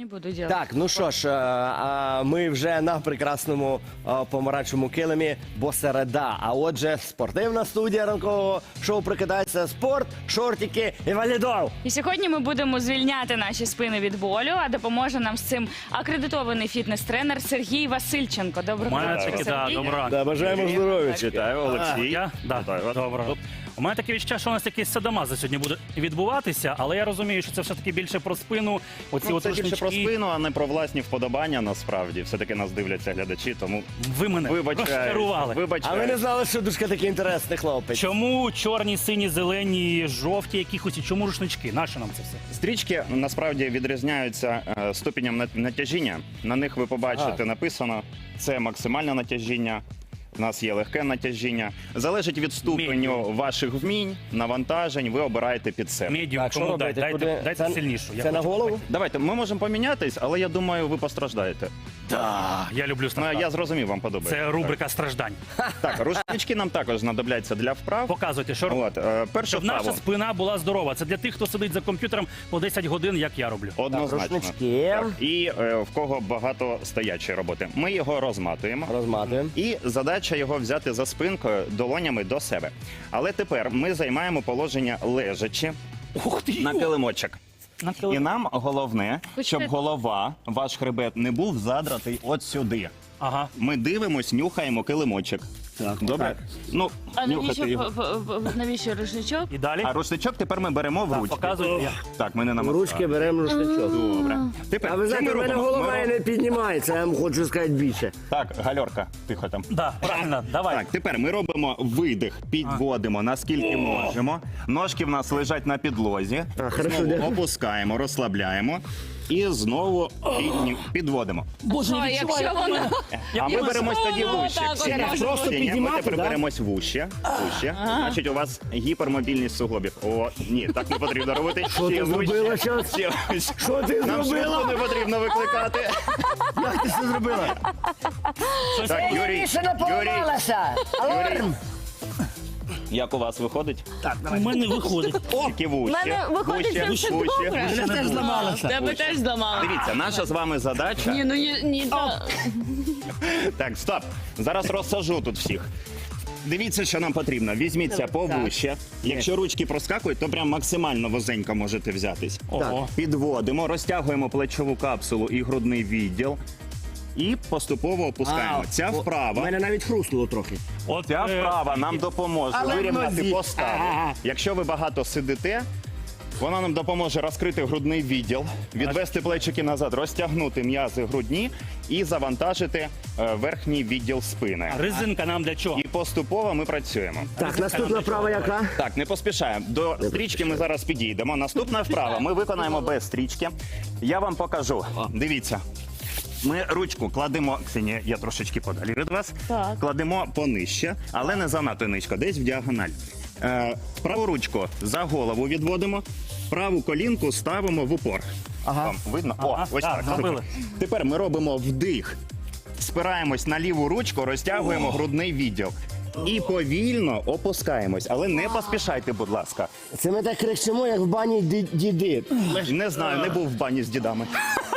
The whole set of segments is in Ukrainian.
не буду делать. Так, ну що ж, ми вже на прекрасному помаранчевому килимі, бо середа. А отже, спортивна студія ранкового шоу «Прокидається спорт», шортики і валідол. І сьогодні ми будемо звільняти наші спини від болю, а допоможе нам з цим акредитований фітнес-тренер Сергій Васильченко. Доброго Мене ранку, таки, да, Сергій. доброго ранку. Да, бажаємо здоров'я. Вітаю, Олексій. Я? Да, Вітаю вас. доброго. У мене таке відчуття, що у нас такий садомаза сьогодні буде відбуватися, але я розумію, що це все-таки більше про спину. Оці Ну, от це більше про рушнички. спину, а не про власні вподобання, насправді. Все-таки нас дивляться глядачі, тому Ви мене розчарували. А ви не знали, що Душка такий інтересний хлопець? Чому чорні, сині, зелені, жовті якихось, і чому рушнички? Нащо нам це все? Стрічки насправді відрізняються ступенем натяжіння. На них ви побачите написано, це максимальне натяжіння. У нас є легке натяжіння. Залежить від ступеню ваших вмінь, навантажень, ви обираєте під себе. Медіум, Так, що кому робити? дайте, Куди? дайте Це- сильнішу. Я Це на хочу голову? Давайте, ми можемо помінятись, але я думаю, ви постраждаєте. Да, я люблю Ну, страждати. я зрозумів, вам подобається. Це рубрика страждань. Так, рушнички нам також знадобляться для вправ. Показуйте, що робити. От, перше Щоб наша вправо. спина була здорова. Це для тих, хто сидить за комп'ютером по 10 годин, як я роблю. Однозначно. рушнички. Так, і в кого багато стоячої роботи. Ми його розматуємо. Розматуємо. І задача його взяти за спинкою долонями до себе. Але тепер ми займаємо положення лежачи Ух ти! на килимочок. І нам головне, Хочете- щоб голова, ваш хребет, не був задратий от сюди. Ага. Ми дивимось, нюхаємо килимочок. Так, Добре? так. Ну, А нюхати його. навіщо рушничок? І далі? А рушничок тепер ми беремо в Так, ручки. показуйте. Так, ми не В намагаємо. ручки беремо рушничок. Добре. Тепер, А ви що знаєте, ми в мене робимо? голова Ми і не піднімається, я вам хочу сказати більше. Так, гальорка, тихо там. Да, правильно, давай. Так, тепер ми робимо видих, підводимо наскільки можемо. Ножки в нас лежать на підлозі. хорошо, Знову дякую. опускаємо, розслабляємо і знову підводимо. Боже, А якщо воно... А ми беремось тоді Знову вуще. так, Ні, отак. Просто ні, ми піднімати, тепер да? беремось вуще. Значить, у вас гіпермобільність суглобів. О, ні, так не потрібно робити. Що ти зробила зараз? Що ти Нам зробила? швидко не потрібно викликати. Як ти це зробила? Так, Юрій, Аларм! як у вас виходить? у мене виходить. Тільки вуще. У мене виходить вуще, все вуще. добре. Мене теж зламалося. Тебе теж зламали. Дивіться, наша з вами задача. Ні, ну ні, Так, стоп. Зараз розсажу тут всіх. Дивіться, що нам потрібно. Візьміться повище. Якщо ручки проскакують, то прям максимально вузенько можете взятись. Ого. Підводимо, розтягуємо плечову капсулу і грудний відділ. І поступово опускаємо. Ця У вправа. мене навіть хрустнуло трохи. От, Ця вправа нам допоможе Але в вирівняти нозі. поставу. Ага. Якщо ви багато сидите, вона нам допоможе розкрити грудний відділ, відвести плечики назад, розтягнути м'язи грудні і завантажити верхній відділ спини. резинка нам для чого? І поступово ми працюємо. Так, наступна вправа яка? Так, не поспішаємо. До стрічки ми зараз підійдемо. Наступна вправа ми виконаємо без стрічки. Я вам покажу. Дивіться. Ми ручку кладемо, Ксенія, я трошечки подалі від вас, Так. кладемо понижче, але не занадто низько, десь в діагональ. Праву ручку за голову відводимо, праву колінку ставимо в упор. Вам видно? Ага, Ось так, так. зробили. Тепер ми робимо вдих, спираємось на ліву ручку, розтягуємо грудний відділ. І повільно опускаємось, але не поспішайте, будь ласка. Це ми так кричимо, як в бані діди. Не знаю, не був в бані з дідами.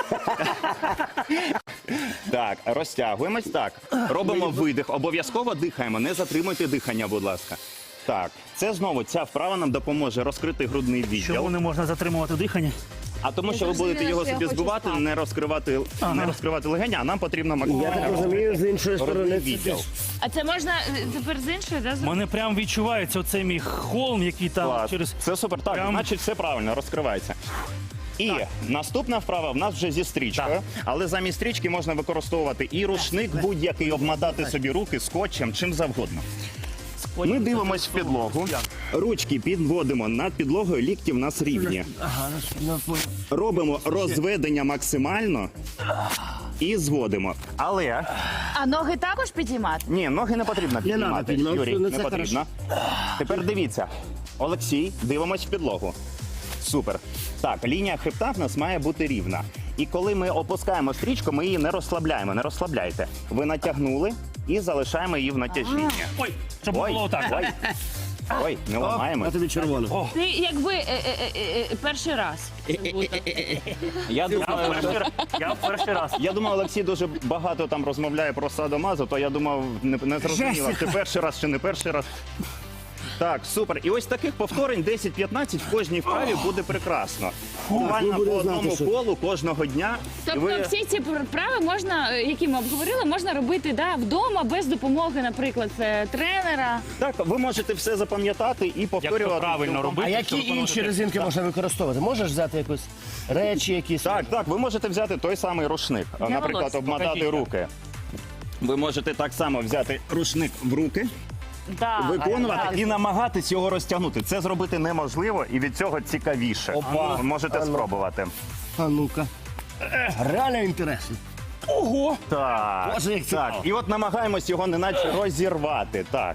Так, розтягуємось. Так, робимо видих. Обов'язково дихаємо. Не затримуйте дихання, будь ласка. Так, це знову ця вправа нам допоможе розкрити грудний Чому відділ. не можна затримувати дихання? А тому, що ви будете його собі збивати, не розкривати легені, а нам потрібно Я так максимально розумію, з іншої грудний сторони. відділ. А це можна тепер з іншої, да? У мене прям відчувається оцей мій холм, який там Клас. через... Це супер. Так, Прям- значить, все правильно, розкривається. І наступна вправа в нас вже зі стрічкою, Так. але замість стрічки можна використовувати і рушник будь-який, обмотати собі руки скотчем, чим завгодно. Ми дивимось в підлогу, ручки підводимо над підлогою, лікті в нас рівні. Робимо розведення максимально і зводимо. Але А ноги також підіймати? ні, ноги не потрібно піднімати. піднімати, Юрій, ну, не це потрібно. Тепер дивіться. Олексій, дивимось в підлогу. Супер. Так, лінія хребта в нас має бути рівна. І коли ми опускаємо стрічку, ми її не розслабляємо, не розслабляйте. Ви натягнули і залишаємо її в натяжінні. Ой, щоб Ой, було отак. ой. Ой, не ламаємо. А тобі червоно. Ти якби перший раз. Я в перший раз. Я думав, Олексій дуже багато там розмовляє про садомазо, то я думав, не зрозуміло, чи перший раз, чи не перший раз. Так, супер. І ось таких повторень 10-15 в кожній вправі буде прекрасно. Буквально ви по будете знати, одному що- колу кожного дня. І Тобто ви- всі ці вправи можна, які ми обговорили, можна робити вдома без допомоги, наприклад, тренера. Так, ви можете все запам'ятати і повторювати. правильно цілком. робити. А які щоб виконувати інші резинки можна використовувати? Можеш взяти якусь речі якісь? Так, ви можете взяти той самий рушник. Наприклад, волосся. обмотати Покажіть. руки. Ви можете так само взяти рушник в руки, виконувати і намагатись його розтягнути. Це зробити неможливо і від цього цікавіше. Опа. Ви можете спробувати. А ну-ка. Реально інтересно. Ого! Так, Боже, як так. цікаво. І от намагаємось його неначе розірвати. Так.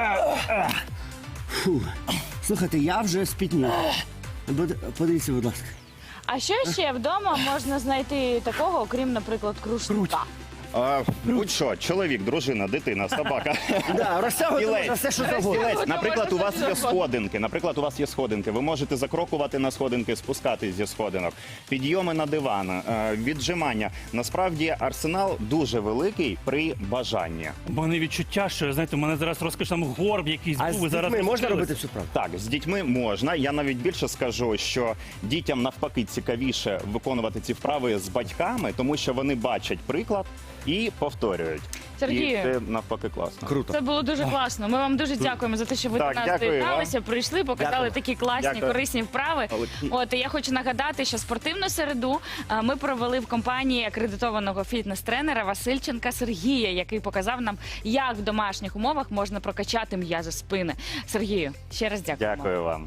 Слухайте, я вже спітнів. Подивіться, будь ласка. А що ще вдома можна знайти такого, окрім, наприклад, кружка? Будь-що, чоловік, дружина, дитина, собака. Да, розтягувати Стілець. можна все, що завгодно. Стілець. Наприклад, у вас є сходинки. Наприклад, у вас є сходинки. Ви можете закрокувати на сходинки, спускатись зі сходинок. Підйоми на диван, віджимання. Насправді арсенал дуже великий при бажанні. У мене відчуття, що, знаєте, у мене зараз розкажуть, там горб якийсь А був. з і зараз дітьми можна розкрились. робити всю правду? Так, з дітьми можна. Я навіть більше скажу, що дітям навпаки цікавіше виконувати ці вправи з батьками, тому що вони бачать приклад і повторюють. Сергію. І це навпаки класно. Круто. Це було дуже класно. Ми вам дуже дякуємо за те, що ви Так, до нас дякую доєдналися, вам. прийшли, показали Дякую. такі класні, Дякую. корисні вправи. Олексій. От і я хочу нагадати, що спортивну середу ми провели в компанії акредитованого фітнес-тренера Васильченка Сергія, який показав нам, як в домашніх умовах можна прокачати м'язи спини. Сергію, ще раз дякую. Дякую вам.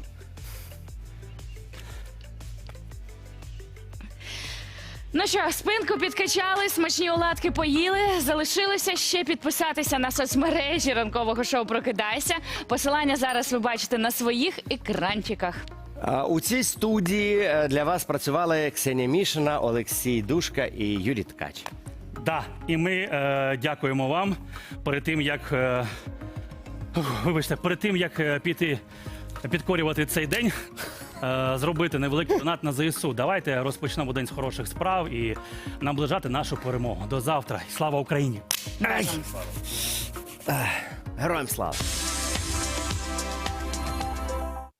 Ну що, спинку підкачали, смачні оладки поїли. Залишилося ще підписатися на соцмережі ранкового шоу «Прокидайся». Посилання зараз ви бачите на своїх екранчиках. У цій студії для вас працювали Ксенія Мішина, Олексій Душка і Юрій Ткач. Да, і ми дякуємо вам перед тим, як перед тим, як піти підкорювати цей день, зробити невеликий донат на ЗСУ. Давайте розпочнемо день з хороших справ і наближати нашу перемогу. До завтра. Слава Україні! Героям слава!